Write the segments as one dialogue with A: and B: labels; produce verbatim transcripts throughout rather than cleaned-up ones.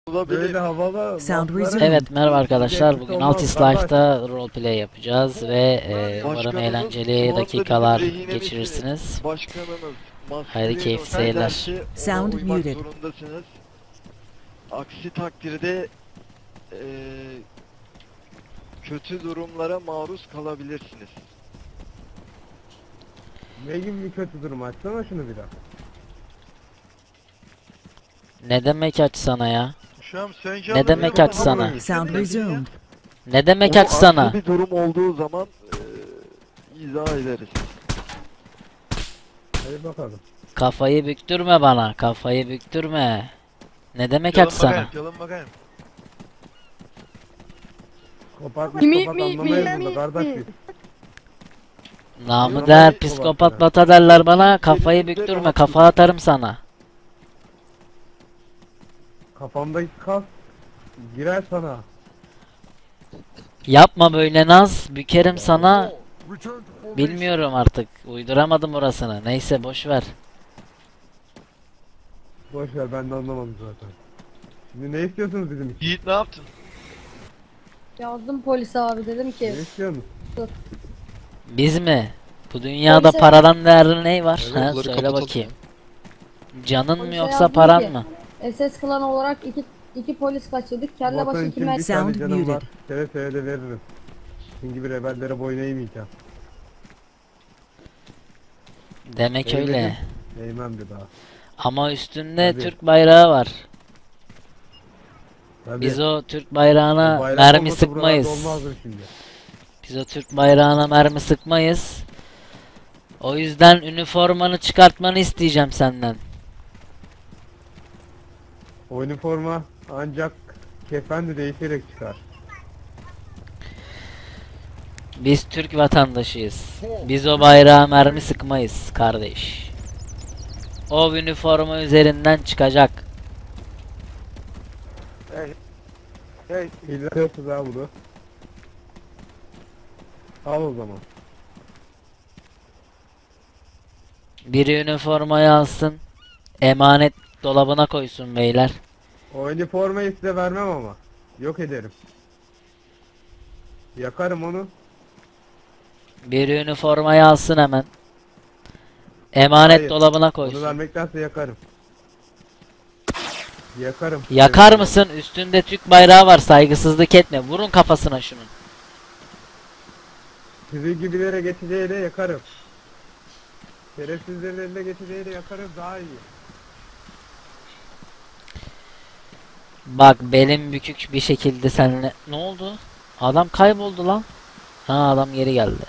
A: Böyle havalı
B: Sound
A: lafları-
B: resumed.
C: Evet, merhaba arkadaşlar.
A: Gerçek
C: Bugün
A: olmaz,
C: Altis
A: kardeş.
C: Life'da roleplay yapacağız ve e, umarım
D: Başkanımız şu
C: eğlenceli
D: anda
C: dakikalar
D: bizim rehinemizsiniz.
C: geçirirsiniz.
D: Başkanımız maskeli
C: Haydi keyifli
D: olsa
C: seyirler.
D: derse ona
B: Sound
D: uymak
B: muted.
D: zorundasınız. Aksi takdirde eee, kötü durumlara maruz kalabilirsiniz.
A: Ne gibi bir kötü durum, açsana şunu bir daha.
C: Ne demek açsana ya?
D: Şu an sen
C: Ne demek açsana?
B: Sound resumed.
C: Ne demek
D: Onu
C: açsana?
D: aksi bir durum olduğu zaman eee izah ederiz.
A: Hadi bakalım.
C: Kafayı büktürme bana. Kafayı büktürme. Ne demek
D: Yalan
C: açsana?
D: bakayım, yalan bakayım.
A: Kopat
E: Mi-
A: psikopat
E: mi-
A: anlamayız
E: mi-
A: burada
E: mi-
A: kardeş biz.
C: Namı
A: Yalan
C: der
A: psikopat
C: psikopat
A: ya.
C: bata derler bana. Kafayı
D: Elimizde
C: büktürme.
D: rahat
C: Kafa atarım sana.
A: Kafamdaki kas girer sana.
C: Yapma böyle naz. Bükerim sana. Bilmiyorum artık. Uyduramadım orasını. Neyse boş ver.
A: Boş ver, ben de anlamadım zaten. Şimdi ne istiyorsunuz bizim için?
D: Yiğit ne yaptın?
E: Yazdım polise abi, dedim
A: Ne
E: ki
A: istiyorsunuz?
C: Biz mi? Bu dünyada
E: Polise-
C: paradan değerli ne var?
F: Evet,
C: Ha,
F: onları
C: söyle
F: kapatalım
C: bakayım. Canın mı
E: Polise
C: yoksa
E: yazdım
C: paran
E: ki-
C: mı?
E: S S klan olarak iki iki polis kaçırdık. Kelle
A: Vatan
E: başı iki
A: için bir
E: mermi.
A: tane
B: Sound
A: canım
B: muted.
A: var. Seve seve de veririm. Sizin gibi rebellere boyun eğmeyeceğim.
C: Demek
A: Eğmedim.
C: öyle.
A: Eğmem bir daha.
C: Ama üstünde
A: Tabii.
C: Türk bayrağı var.
A: Tabii.
C: Biz o Türk bayrağına
A: Bu bayrak
C: mermi
A: olmasa buralarda
C: sıkmayız.
A: olmazdı şimdi.
C: Biz o Türk bayrağına mermi sıkmayız. O yüzden üniformanı çıkartmanı isteyeceğim senden.
A: O üniforma ancak kefendi değişerek çıkar.
C: Biz Türk vatandaşıyız. Biz o bayrağa mermi sıkmayız kardeş. O üniforma üzerinden çıkacak.
A: Hey, İlletiyorsunuz ha bunu. Al o zaman.
C: Biri üniformayı alsın. Emanet dolabına koysun beyler.
A: O üniformayı size vermem ama. Yok ederim. Yakarım onu.
C: Biri üniformayı alsın hemen. Emanet
A: Hayır,
C: dolabına
A: Onu
C: koysun.
A: vermektense yakarım. Yakarım.
C: Yakar mısın? Üstünde Türk bayrağı var. Saygısızlık etme. Vurun kafasına şunun.
A: Sizin gibilere geçeceği de yakarım. Şerefsizlerin eline geçeceği de yakarım, daha iyi.
C: Bak belim bükük bir şekilde seninle... Ne oldu? Adam kayboldu lan. Ha, adam geri geldi.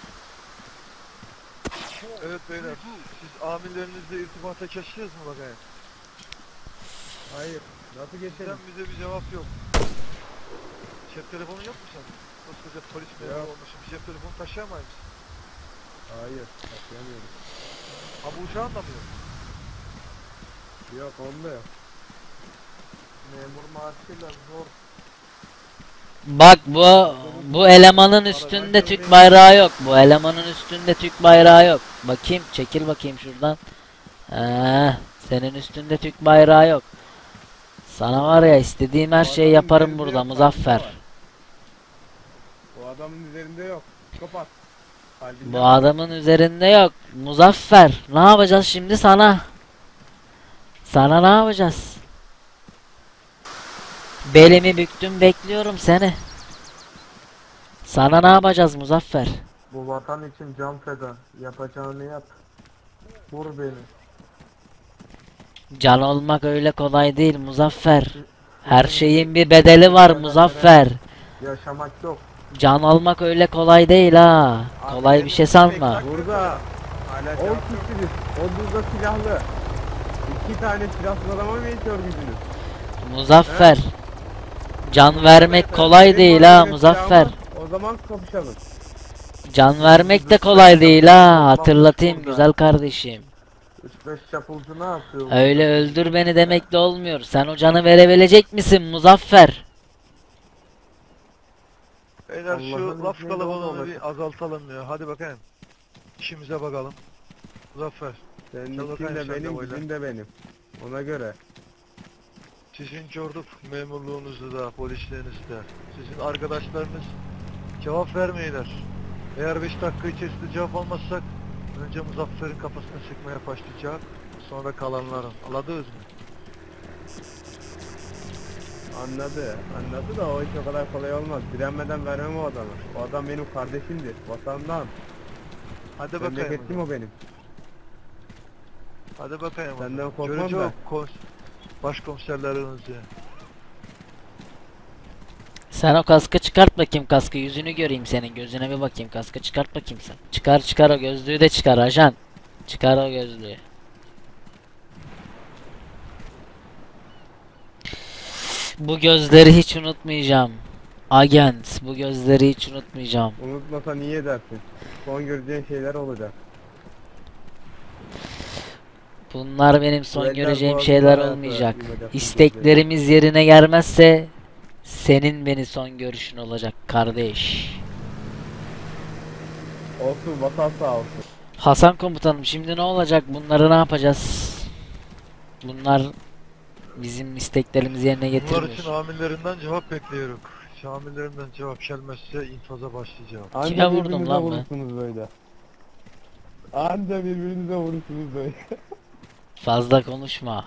D: Evet beyler, siz amirlerinizle irtibata geçtiniz mi bakayım?
A: Hayır. Nasıl geçelim?
D: Sizden bize bir cevap yok. Cep telefonu yok mu sen? Koskoca polis memuru
A: Yok.
D: olmuşsun, bir cep telefonu taşıyamayız mısın?
A: Hayır. Taşıyamıyorum.
D: Ha bu uçağın da mı yok?
A: Yok, onda yok. Memur maaşıyla zor.
C: Bak bu bu elemanın üstünde Türk bayrağı yok. Bu elemanın üstünde Türk bayrağı yok. Bakayım, çekil bakayım şuradan. Ee, senin üstünde Türk bayrağı yok. Sana var ya, istediğim her şeyi yaparım burada Muzaffer.
A: Bu adamın üzerinde yok. Kapat. Kalbinden-
C: Bu adamın üzerinde yok. Muzaffer, ne yapacağız şimdi sana? Sana ne yapacağız? Belimi büktüm, bekliyorum seni. Sana ne yapacağız Muzaffer?
A: Bu vatan için can feda. Yapacağını yap. Vur beni.
C: Can olmak öyle kolay değil Muzaffer. Her şeyin bir bedeli var Muzaffer.
A: Yaşamak yok.
C: Can almak öyle kolay değil ha. Kolay bir şey sanma.
A: Burada on kişisiniz. Onunuzda silahlı. İki tane silahsız adama mı yetiyor gücünüz?
C: Muzaffer. Can vermek kolay
A: Benim
C: değil
A: var
C: ha
A: öyle
C: Muzaffer.
A: silahım var. O zaman kapışalım.
C: Can vermek de kolay değil ha. Hatırlatayım güzel kardeşim.
A: üç beş çapulcu ne yapıyor?
C: Öyle öldür beni demek de olmuyor. Sen o canı verebilecek misin Muzaffer?
D: Beyler şu
A: Allah'ın
D: laf
A: izniyle
D: kalabalığını
A: olmaması.
D: bir azaltalım ya. Hadi bakayım. İşimize bakalım. Muzaffer,
A: Senin
D: Gel
A: için
D: bakayım
A: de
D: sen de
A: benim,
D: böyle.
A: gücün de benim. Ona göre.
D: Sizin gördük memurluğunuzu da, polisliğinizi de. Sizin arkadaşlarınız cevap vermeyler. Eğer beş dakika içerisinde cevap almazsak önce Muzaffer'in kafasına sıkmaya başlayacak. Sonra kalanların. Anladınız mı?
A: Anladı. Anladı da o iş o kadar kolay olmaz. Direnmeden vermem o adamı. O adam benim kardeşimdir. Vatandan.
D: Hadi bakayım.
A: Memleketim o benim.
D: Hadi bakayım.
A: Senden korkmam
D: Göreceğim
A: da.
D: kons başkomiserlerinizi.
C: Sen o kaskı çıkart bakayım, kaskı yüzünü göreyim senin, gözüne bir bakayım, kaskı çıkart bakayım sen. Çıkar çıkar, o gözlüğü de çıkar ajan. Çıkar o gözlüğü. Bu gözleri hiç unutmayacağım. Agent, bu gözleri hiç unutmayacağım.
A: Unutmasa niye edersin? Son göreceğin şeyler olacak.
C: Bunlar benim son
A: eller
C: göreceğim
A: boğazına
C: şeyler
A: hayatı
C: olmayacak.
A: yumacak bu
C: İsteklerimiz yerine gelmezse senin beni son görüşün olacak kardeş.
A: Olsun, vatan sağ olsun.
C: Hasan komutanım, şimdi ne olacak? Bunları ne yapacağız? Bunlar bizim isteklerimizi yerine
D: Bunlar
C: getirmiyor.
D: için amirlerinden cevap bekliyorum. Şu amirlerinden cevap gelmezse infaza başlayacağım.
A: Anca
C: Kime vurdum
A: birbirinize
C: lan ben?
A: vurursunuz böyle. Anca birbirinize vurursunuz böyle.
C: Fazla konuşma.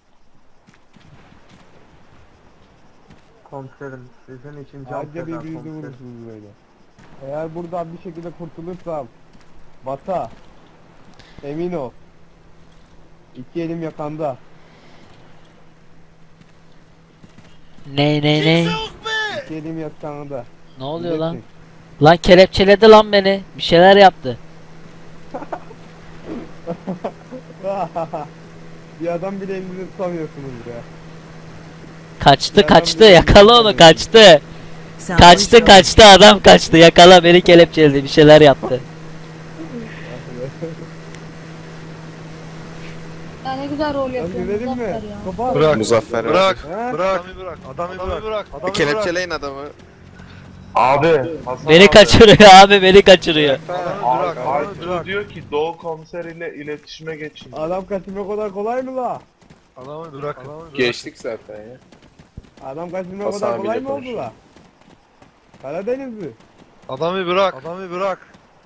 B: Komiserim sizin için can
A: Anca
B: feda
A: birbirinize
B: komiserim.
A: vurursunuz böyle. Eğer buradan bir şekilde kurtulursam Bata, emin ol, İki elim yakanda.
C: Ne ne ne?
A: İki elim yakanda.
C: Ne oluyor lan?
A: Bileceksin.
C: Lan kelepçeledi lan beni. Bir şeyler yaptı.
A: Bir adam bile elinizi tutamıyorsunuz ya.
C: Kaçtı
A: Ya
C: kaçtı,
A: ben de-
C: yakala onu, kaçtı. Kaçtı kaçtı, adam kaçtı, yakala, beni kelepçeledi, bir şeyler yaptı.
E: Ya ne güzel rol
A: Lan
E: yapıyor
A: gülelim mi?
E: Muzaffer ya.
A: Kopa.
D: Bırak.
F: Muzaffer
D: Bırak.
A: He?
D: Bırak. Adamı bırak. Adamı bırak. bırak. Adamı
F: Kelepçeleyin adamı.
G: Abi, Hasan
C: Beni
G: abi.
C: kaçırıyor abi, beni kaçırıyor.
D: bırak. Adamı
G: Abi,
D: bırak. Adamı
G: Aytu
D: bırak.
G: diyor ki Doğu komiser ile iletişime geçin.
A: Adam kaçırmak o kadar kolay mı la?
D: Adamı bırak. Adamı bırak.
F: Geçtik zaten ya.
A: Adam kaçırmak o
G: Hasan
A: kadar
G: abiyle
A: kolay mı oldu
G: konuşuyor.
A: la? Karadenizli.
D: Adamı bırak. Adamı bırak.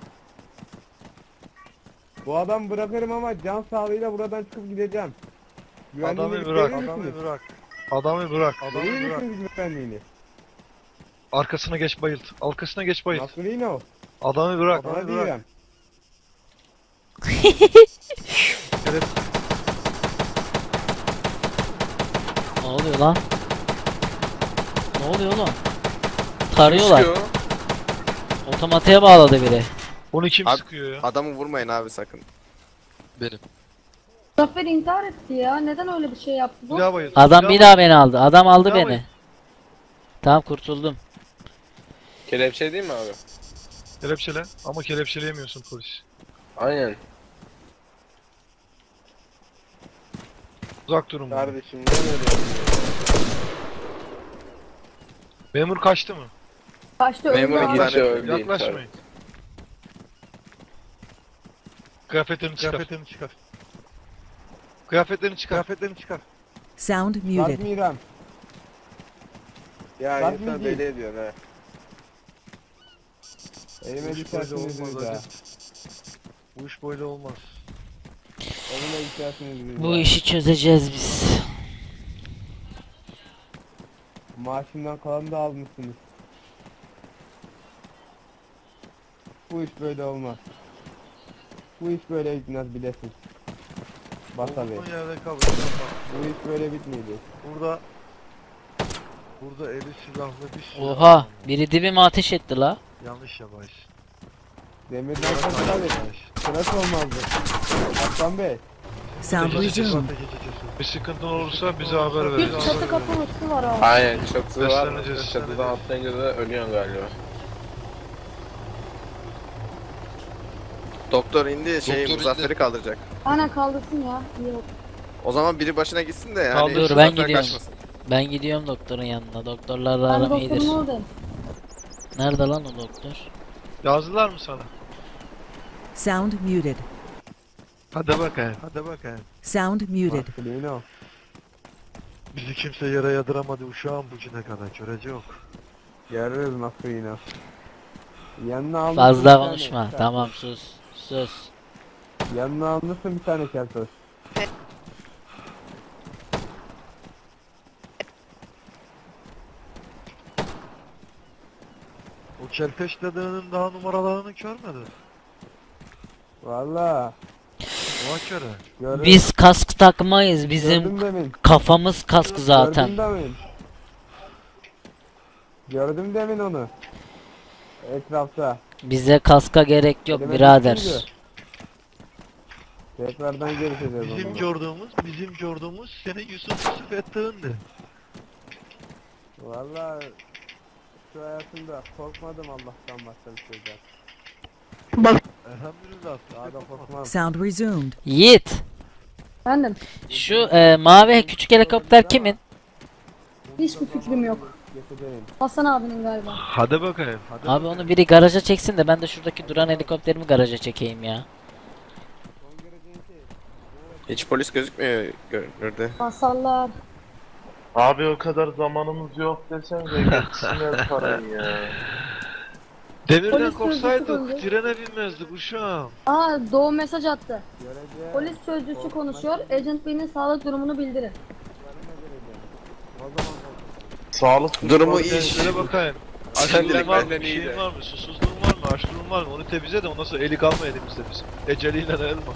A: Bu adam bırakırım ama can sağlığıyla buradan çıkıp gideceğim. Güvenliğini
D: Adamı bırak.
A: verir
D: Adamı
A: misiniz?
D: bırak. Adamı bırak. Adamı
A: Verir
D: bırak.
A: misiniz güvenliğini?
D: Arkasına geç bayılt. Arkasına geç bayılt.
A: Nasıl yine o?
D: Adamı bırak.
A: Bana
D: Adamı bırak.
A: diyeceğim.
C: Ne oluyor lan? Ne oluyor oğlum? Tarıyorlar.
F: Sıkıyor.
C: Otomatiğe bağladı biri.
D: Onu kim
F: Abi-
D: sıkıyor ya?
F: Adamı vurmayın abi sakın.
D: Benim.
E: Muzaffer intihar etti ya. Neden öyle bir şey yaptı bu?
D: Bir daha bayılt.
C: Adam bir daha beni aldı. Adam aldı
D: Bir daha
C: beni. Tamam, kurtuldum.
H: Kelepçe değil mi abi?
D: Kelepçele. Ama kelepçeleyemiyorsun polis.
H: Aynen.
D: Uzak durun. bundan.
B: Kardeşim ne öyle?
D: Memur kaçtı mı?
E: Kaçtı öldü
F: Memur
E: abi.
F: iki
H: Bir
F: tane
H: şey öldü intihar.
D: Yaklaşmayın. Kıyafetlerini çıkar. Kıyafetlerini çıkar. Kıyafetlerini çıkar. Kıyafetlerini çıkar.
I: Sound
A: Bak
I: muted.
A: Miran.
B: Ya
A: Bak
B: insan
A: Miki.
B: deli ediyorsun ha.
A: Elime
D: Bu iş böyle
A: düşersiniz
D: olmaz
A: bir daha.
D: hacı. Bu iş böyle olmaz.
A: Elime düşersiniz bir
C: Bu
A: daha.
C: işi çözeceğiz biz.
A: Maaşımdan kalanı da almışsınız. Bu iş böyle olmaz. Bu iş böyle gitmez bilesin. Bata Bey.
D: Olduğun yerde kal.
A: Bu iş böyle bitmeyecek.
D: Burada Burada eli silahlı bir silah.
C: Oha,
D: var.
C: biri dibime ateş etti la.
D: Yanlış yabaş.
A: Demirden sonra tabii. Sırası olmazdı. Aslan Bey.
I: Sound resumed.
D: Bir sıkıntın olursa bize haber ver.
E: Bir çatı kapı üstü var abi.
H: Aynen çatısı var.
D: Besleneceğiz,
H: Çatıdan
D: besleneceğiz.
H: atlayınca da ölüyorsun galiba.
F: Doktor indi şey Muzaffer'i kaldıracak.
E: Aynen kaldırsın ya. İyi oldu.
F: O zaman biri başına gitsin de yani.
C: Kaldır, ben
F: Muzaffer
C: gidiyorum.
F: kaçmasın.
C: Ben gidiyorum doktorun yanına. Doktorlarla
E: Ben
C: aram
E: doktorun
C: iyidir.
E: oradayım.
C: Nerede lan o doktor?
D: Yazdılar mı sana?
I: Sound muted.
D: Hadi bakayım. Hadi bakayım.
I: Sound muted.
A: Maskulino.
D: Bizi kimse yere yadıramadı uşağım bugüne kadar. Görece yok.
A: Görürüz nasıl yine. Yanına almışsın
C: Fazla
A: bir tane
C: konuşma.
A: keltoş.
C: Tamam sus. Sus.
A: Yanına almışsın bir tane keltoş.
D: O kelpeş dedığinin daha numaralarını görmedi.
A: Valla.
D: Ona göre.
A: Gördüm.
C: Biz kask takmayız. Bizim
A: Gördüm demin.
C: kafamız kask zaten.
A: Gördüm demin. Gördüm demin onu. Etrafta.
C: Bize kaska gerek yok
A: Elime
C: birader.
A: düşündü. Tekrardan görüşeceğiz o
D: Bizim
A: zaman.
D: gördüğümüz, bizim gördüğümüz senin Yusuf Yusuf ettiğindi.
A: Valla şu hayatımda korkmadım Allah'tan başka bir şeyden.
D: Elhamdülillah.
A: Daha da korkmam.
I: Sound resumed.
C: Yiğit.
E: Efendim,
C: Şu e, mavi küçük helikopter kimin?
E: hiçbir fikrim yok.
A: Getireyim.
E: Hasan abinin galiba.
D: Hadi bakayım. Hadi
C: Abi onu biri garaja çeksin de ben de şuradaki duran helikopterimi garaja çekeyim ya.
F: Hiç polis gözükmüyor görünürde.
E: Hasarlar.
G: Abi o kadar zamanımız yok desenize geçsinler parayı ya.
D: Demirden
E: Polis
D: korksaydık
E: sözcüsü
D: trene binmezdik uşağım.
E: Aa, Doğu mesaj attı.
A: Göreceğiz.
E: Polis sözcüsü konuşuyor. Agent B'nin sağlık durumunu bildirin.
A: O zaman
G: Sağlık
F: Durumu
G: düşmanı-
F: iyi.
D: Şöyle bakayım.
F: Sen
D: Açlığın
F: direkt
D: var mı?
F: benden
D: Bir
F: iyi
D: şeyin
F: de.
D: var mı? Susuzluğun var mı? Açlığın var mı? Onu temizle de ondan sonra eli kalma elimizde bizim. Eceliyle de elma.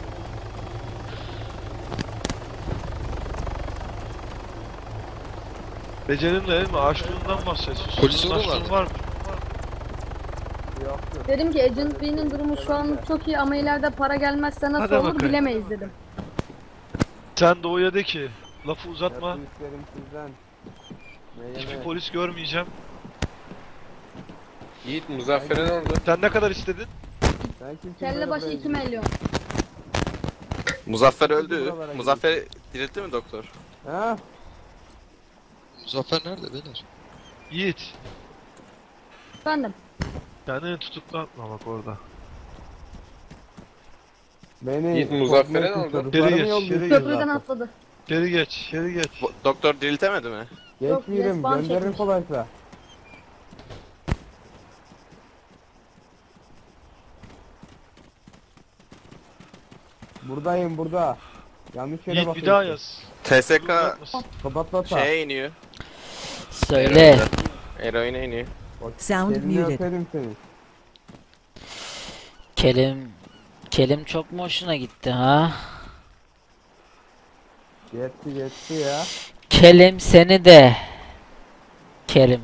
D: Becelinle elma. Açlığından bahset. Susuzluğun açlığın var mı?
A: yoktur.
E: Dedim ki Agent B'nin durumu şu anlık çok iyi ama ileride para gelmezse nasıl
D: Hadi
E: olur
D: bakayım.
E: bilemeyiz dedim.
D: Sen Doğu'ya de ki lafı uzatma.
A: Yapın isterim sizden. Ne
D: Hiçbir
A: yeme-
D: polis görmeyeceğim.
H: Yiğit Muzaffer'e ne oldu?
D: Sen ne kadar istedin?
A: Sen kimsin
E: Kelle
A: böyle
E: başı
A: böyle?
E: iki milyon.
F: Muzaffer öldü.
A: Buralara
F: Muzaffer diriltti mi doktor?
A: Ha?
J: Muzaffer nerede beyler?
D: Yiğit.
E: Efendim,
D: Kendini tutuklatma bak orada.
A: Beni
H: Yiğit Muzaffer'e ne
A: korkmak
H: oldu?
A: için
D: Geri
A: çocuklarımı
D: geç,
A: yolluyorsun
D: geri geç.
E: köprüden
A: zaten.
E: atladı.
D: Geri geç, geri geç.
F: Bu- doktor diriltemedi mi?
E: Yok,
A: Geçmeyelim
E: respawn
A: gönderin
E: çekmiş.
A: kolaysa. Buradayım burada. Yanlış yere
D: Yiğit
A: bakıyorsun.
D: bir daha yaz.
F: T S K
D: Uzatmasın.
A: Kapatmata.
F: şeye iniyor.
C: Söyle.
F: Eroine iniyor.
I: Sound
A: Elini
I: muted.
A: öperim seni.
C: Kelim Kelim çok mu hoşuna gitti ha?
A: Yetti yetti ya.
C: Kelim seni de. Kerim.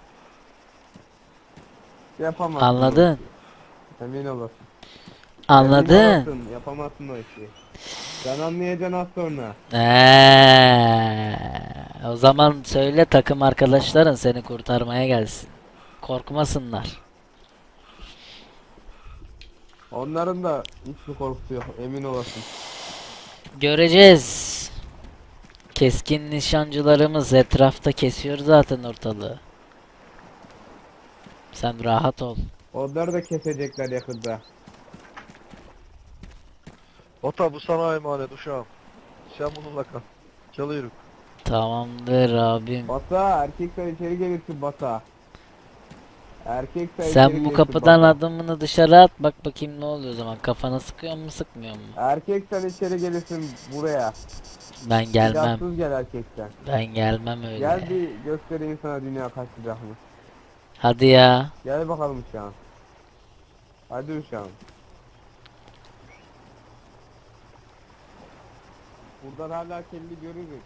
A: Yapamazsın.
C: Anladın?
A: o işi. Emin olasın.
C: Anladın?
A: Emin olasın, yapamazsın o işi. Sen anlayacaksın az sonra.
C: Eee, o zaman söyle takım arkadaşların seni kurtarmaya gelsin. Korkmasınlar.
A: Onların da hiçbir korkusu yok. Emin olasın.
C: Göreceğiz. Keskin nişancılarımız etrafta kesiyor zaten ortalığı. Sen rahat ol.
A: Onları da kesecekler yakında.
D: Ota bu sana emanet uşağım. Sen bununla kal. Çalıyorum.
C: Tamamdır abim.
A: Basa erkekler içeri gelirsin Basa. Erkekler içeri
C: Sen bu
A: gelirsin
C: kapıdan
A: Basa.
C: adımını dışarı at bak bakayım ne oluyor o zaman. Kafana sıkıyor mu sıkmıyor mu?
A: Erkeksen içeri gelirsin buraya.
C: Ben gelmem.
A: Silahsız gel erkekten.
C: Ben gelmem öyle.
A: Gel bir göstereyim sana dünya kaç silahmış.
C: Hadi ya.
A: Gel bakalım uşağım. Hadi uşağım. Buradan hala kelli görürüz.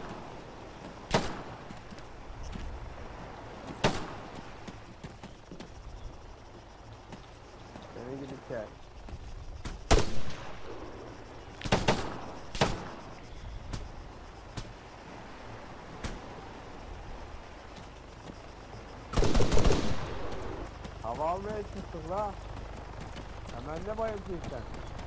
A: Seni gidip gel. Hava almaya çıktık la. Hemen ne bayıltıyorsun sen?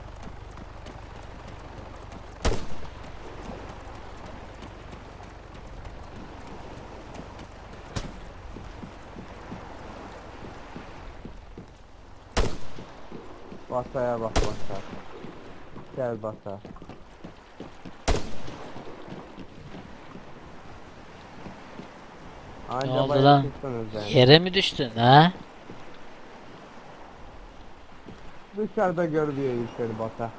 A: Basaya bak basa. Gel basa. Anca
C: oldu
A: bayağı
C: lan?
A: çıktınız yani.
C: Yere mi düştün ha?
A: Dışarıda görülüyor işleri Bata.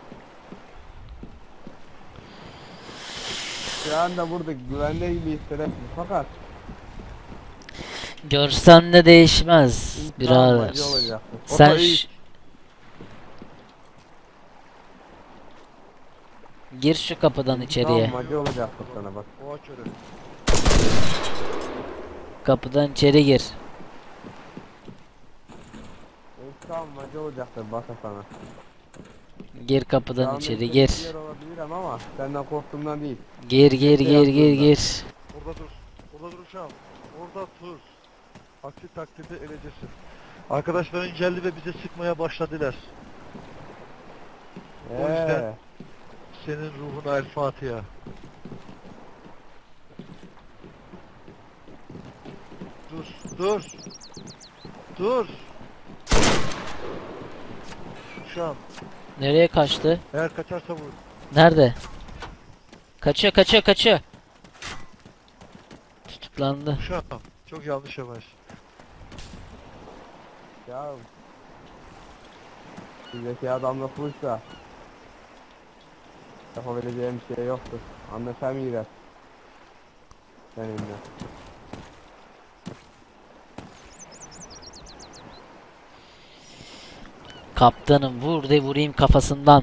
A: Şu anda burada güvende gibi hissedersin fakat
C: Görsen de değişmez birader.
A: acı olacaktır.
C: Sen
D: Ota iyi.
C: ş- gir şu kapıdan içeriye.
A: Tamam acı olacaktır sana bak.
D: O aç öyle.
C: Kapıdan içeri gir.
A: Tamam acı olacaktır Bata sana.
C: Gir kapıdan
A: Tamam,
C: içeri
A: işte
C: gir.
A: bir yer olabilirim ama senden korktuğumdan değil.
C: Gir gir gir gir gir.
D: Orada dur. Orada dur uşağım. Orada dur. Aksi takdirde öleceğisin. Arkadaşların geldi ve bize sıkmaya başladılar. O yüzden-
A: Eee.
D: Senin ruhuna El Fatiha. Dur, dur. Dur. Uşağım,
C: Nereye kaçtı?
D: eğer kaçarsa vur.
C: Nerede? Kaçıyor kaçıyor kaçıyor. Tutuklandı.
D: Uşağım, çok yanlış yavaş.
A: Ya. Bizdeki adamla fırsa. Yapabileceğim bir şey yoktur. Anlaşamayacağız. Seninle.
C: Kaptanım vur de vurayım kafasından.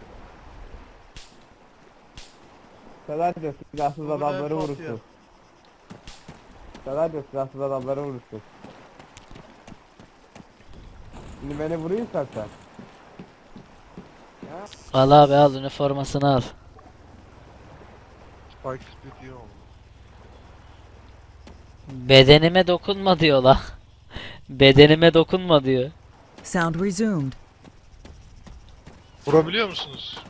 A: Sadece silahsız
D: Ruhuna
A: adamları
D: El Fatiha.
A: vurursun. Sadece silahsız adamları vurursun. Şimdi beni vuruyorsan sen.
C: Al abi al üniformasını al.
D: Spike Speed diyor.
C: Bedenime dokunma diyor la. Bedenime dokunma diyor.
I: Sound resumed.
J: Vurabiliyor musunuz?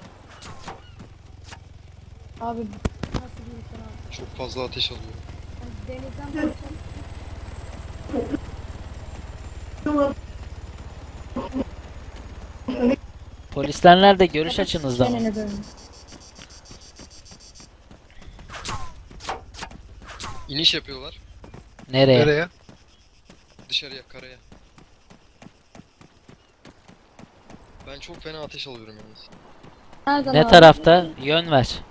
E: Abi nasıl bir insan abi?
J: Çok fazla ateş alıyor.
E: Yani denizden
C: Polisler nerede? Görüş açınızda mı?
E: Çenene dönün.
J: İniş yapıyorlar.
C: Nereye?
J: Nereye? Dışarıya, karaya. Ben çok fena ateş alıyorum yalnız.
E: Nereden
C: Ne
E: abi?
C: tarafta? Yön ver.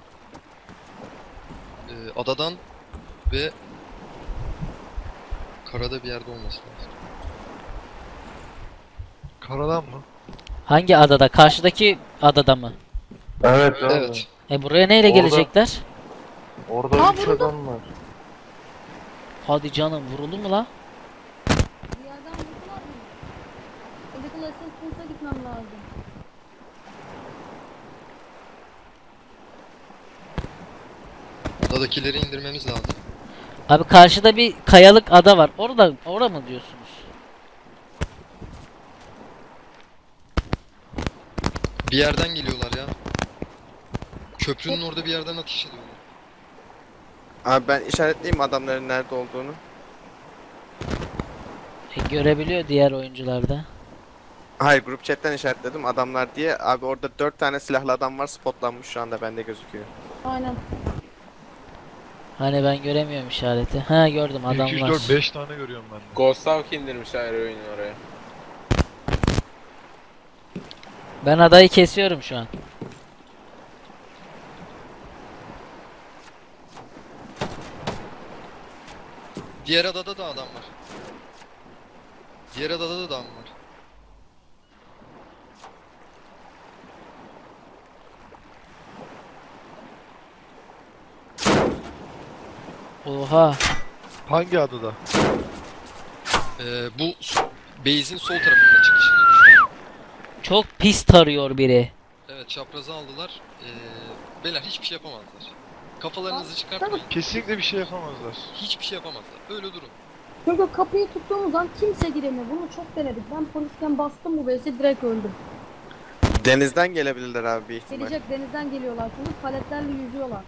J: Ee, adadan ve karada bir yerde olması lazım.
D: Karadan mı?
C: Hangi adada? Karşıdaki adada mı?
B: Evet abi.
J: Evet.
C: E buraya neyle
B: Orada-
C: gelecekler?
B: Orada
E: Aa,
B: üç
E: vuruldu.
B: adam var.
C: Hadi canım vuruldu mu la?
E: Bir yerden vurdular mı? Medical assistance'a gitmem lazım.
J: Adadakileri indirmemiz lazım.
C: Abi karşıda bir kayalık ada var. Orada orada mı diyorsunuz?
J: Bir yerden geliyorlar ya. Köprünün orada bir yerden ateş ediyorlar.
F: Abi ben işaretleyeyim adamların nerede olduğunu.
C: E, görebiliyor diğer oyuncularda.
F: Hayır, grup chatten işaretledim adamlar diye. Abi orada dört tane silahlı adam var, spotlanmış şu anda, bende gözüküyor.
E: Aynen.
C: Hani ben göremiyorum işareti. Ha gördüm
D: bir, iki, üç,
C: adamlar.
D: dört, beş tane görüyorum ben de.
F: Ghost Hawk indirmişler oyunu oraya.
C: Ben adayı kesiyorum şu an.
J: Diğer adada da adam var. Diğer adada da adam var.
C: Oha.
D: Hangi adada?
J: Ee, bu s- base'in sol tarafında çıkışında düşüyor.
C: Çok pis tarıyor biri.
J: Evet, çaprazı aldılar. Ee, beyler hiçbir şey yapamazlar. Kafalarınızı çıkartmayın.
D: Kesinlikle bir şey yapamazlar.
J: Hiçbir şey yapamazlar. Öyle durun.
E: Çünkü kapıyı tuttuğumuz an kimse giremiyor. Bunu çok denedik. Ben polisken bastım bu base'e direkt öldüm.
F: Denizden gelebilirler abi bir ihtimal.
E: Gelecek denizden geliyorlar çünkü paletlerle yüzüyorlar.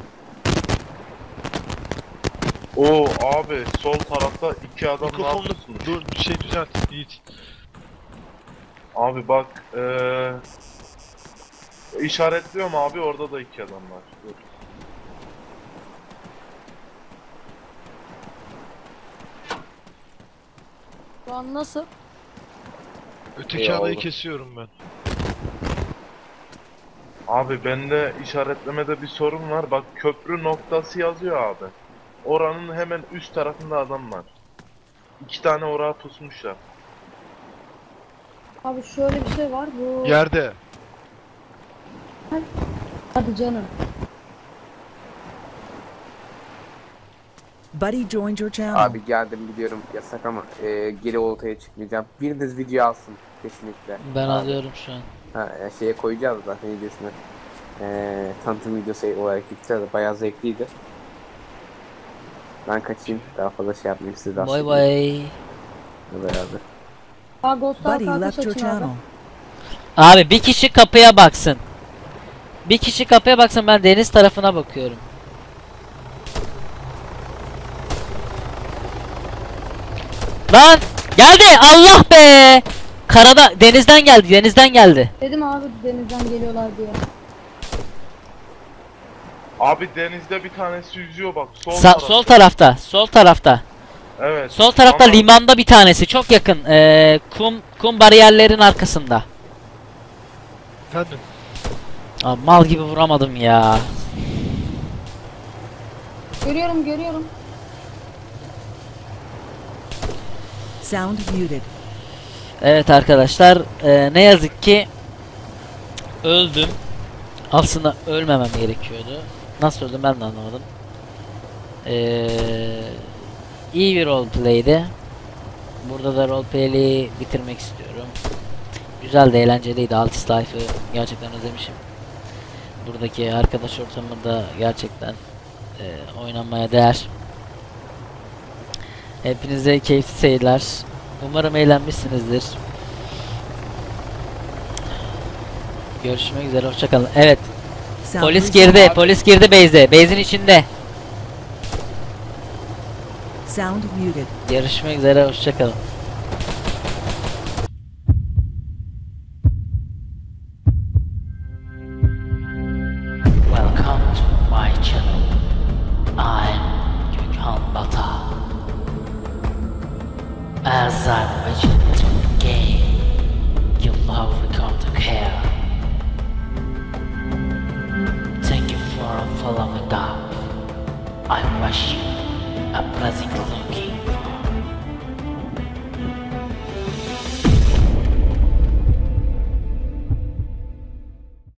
G: Oo abi sol tarafta iki adam ne
D: Mikrofonunu
G: yapıyorsunuz?
D: dur, bir şey düzelt Yiğit.
G: Abi bak eee işaretliyorum abi, orada da iki adam var. Dur.
E: Şu an nasıl?
D: Öteki
H: İyi
D: adayı
H: oldu.
D: kesiyorum ben.
G: Abi bende işaretlemede bir sorun var. Bak köprü noktası yazıyor abi. Oranın hemen üst tarafında adam var. İki tane oraya pusmuşlar.
E: Abi şöyle bir şey var. Bu...
D: Yerde.
E: Hadi canım.
I: Buddy joined your channel.
K: Abi geldim biliyorum yasak ama e, geri oltaya çıkmayacağım. Biriniz video alsın kesinlikle.
C: Ben
K: Abi.
C: alıyorum şu an.
K: Ha, e, şeye koyacağız zaten videosunu. E, tanıtım videosu olarak yükleyeceğiz. Bayağı zevkliydi. Ben kaçayım. Daha fazla şey yapmayayım. Siz de
C: Bay bay.
K: beraber.
E: Aa Ghost'a
I: Buddy
E: arkadaş
I: left your
E: açın abi.
I: channel.
C: Abi bir kişi kapıya baksın. Bir kişi kapıya baksın, ben deniz tarafına bakıyorum. Lan geldi, Allah be. Karada, denizden geldi, denizden geldi.
E: Dedim abi denizden geliyorlar diye.
G: Abi denizde bir tanesi yüzüyor bak. Sol
C: Sa-
G: tarafta.
C: sol tarafta, sol tarafta.
G: Evet.
C: Sol tarafta
G: Ama
C: limanda bir tanesi, çok yakın. Ee, kum kum bariyerlerin arkasında.
D: Efendim.
C: Abi mal gibi vuramadım ya.
E: Görüyorum görüyorum.
I: Sound muted.
C: Evet arkadaşlar, e, ne yazık ki öldüm. Aslında ölmemem gerekiyordu. Nasıl öldüm ben de anlamadım. Ee, iyi bir roleplay'di. Burada da roleplay'i bitirmek istiyorum. Güzel de eğlenceliydi. Altis Life'ı gerçekten özlemişim. Buradaki arkadaş ortamı da gerçekten e, oynanmaya değer. Hepinize keyifli seyirler. Umarım eğlenmişsinizdir. Görüşmek üzere, hoşçakalın. Evet,
I: Sound
C: polis
I: resumed.
C: girdi, polis girdi base'e. Base'in içinde.
I: Sound muted.
C: Görüşmek üzere, hoşçakalın. Welcome to my channel. I'm Gökhan Bata. As I mentioned to the game, your love will come to care. Thank you for following up. I wish you a pleasant looking